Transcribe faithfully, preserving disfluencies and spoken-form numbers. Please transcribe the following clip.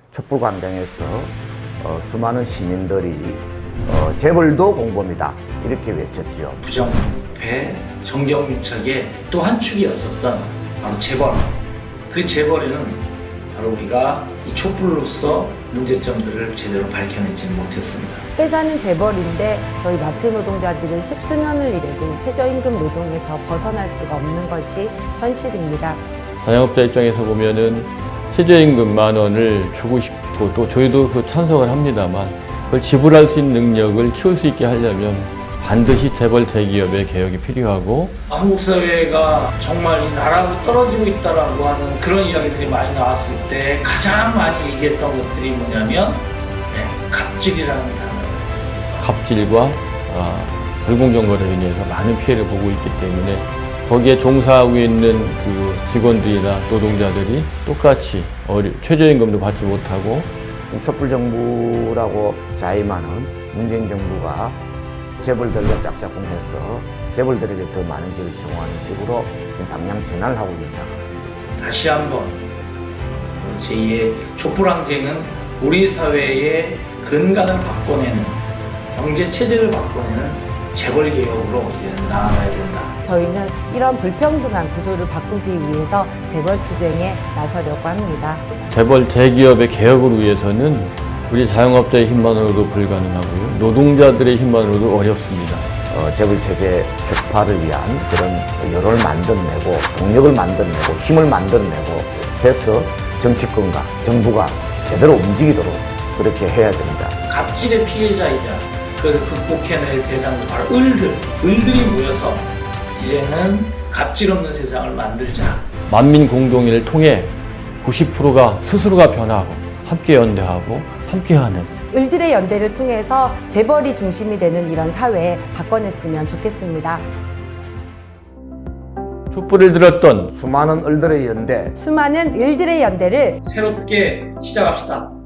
촛불광장에서 어, 수많은 시민들이 어, 재벌도 공범이다 이렇게 외쳤죠. 부정부패, 정경유착의 또 한 축이었었던 바로 재벌. 그 재벌에는 바로 우리가 이 촛불로서 문제점들을 제대로 밝혀내지 못했습니다. 회사는 재벌인데 저희 마트 노동자들은 십수년을 일해도 최저임금 노동에서 벗어날 수가 없는 것이 현실입니다. 자영업자 입장에서 보면은 최저임금 만 원을 주고 싶고 또 저희도 그 찬성을 합니다만 그걸 지불할 수 있는 능력을 키울 수 있게 하려면 반드시 재벌 대기업의 개혁이 필요하고 한국 사회가 정말 이 나라로 떨어지고 있다라고 하는 그런 이야기들이 많이 나왔을 때 가장 많이 얘기했던 것들이 뭐냐면 네, 갑질이라는 단어예요. 갑질과 아, 불공정거래로 인해서 많은 피해를 보고 있기 때문에 거기에 종사하고 있는 그 직원들이나 노동자들이 똑같이 어리, 최저임금도 받지 못하고 촛불정부라고 자임하는 문재인 정부가 재벌들과 짝짝꿍해서 재벌들에게 더 많은 기회를 제공하는 식으로 지금 방향 전환을 하고 있는 상황입니다. 다시 한번 제이의 촛불항쟁은 우리 사회의 근간을 바꿔내는 경제 체제를 바꿔내는 재벌 개혁으로 이제 나아가야 된다. 저희는 이런 불평등한 구조를 바꾸기 위해서 재벌 투쟁에 나서려고 합니다. 재벌 대기업의 개혁을 위해서는 우리 자영업자의 힘만으로도 불가능하고요. 노동자들의 힘만으로도 어렵습니다. 어, 재벌 체제 혁파를 위한 그런 여론을 만들어내고 동력을 만들어내고 힘을 만들어내고 해서 정치권과 정부가 제대로 움직이도록 그렇게 해야 됩니다. 갑질의 피해자이자 그래서 극복해낼 대상도 바로 을들, 을들이 모여서 이제는 갑질 없는 세상을 만들자. 만민 공동회를 통해 구십 퍼센트가 스스로가 변하고 함께 연대하고 함께하는 을들의 연대를 통해서 재벌이 중심이 되는 이런 사회에 바꿔냈으면 좋겠습니다. 촛불을 들었던 수많은 을들의 연대 수많은 을들의 연대를 새롭게 시작합시다.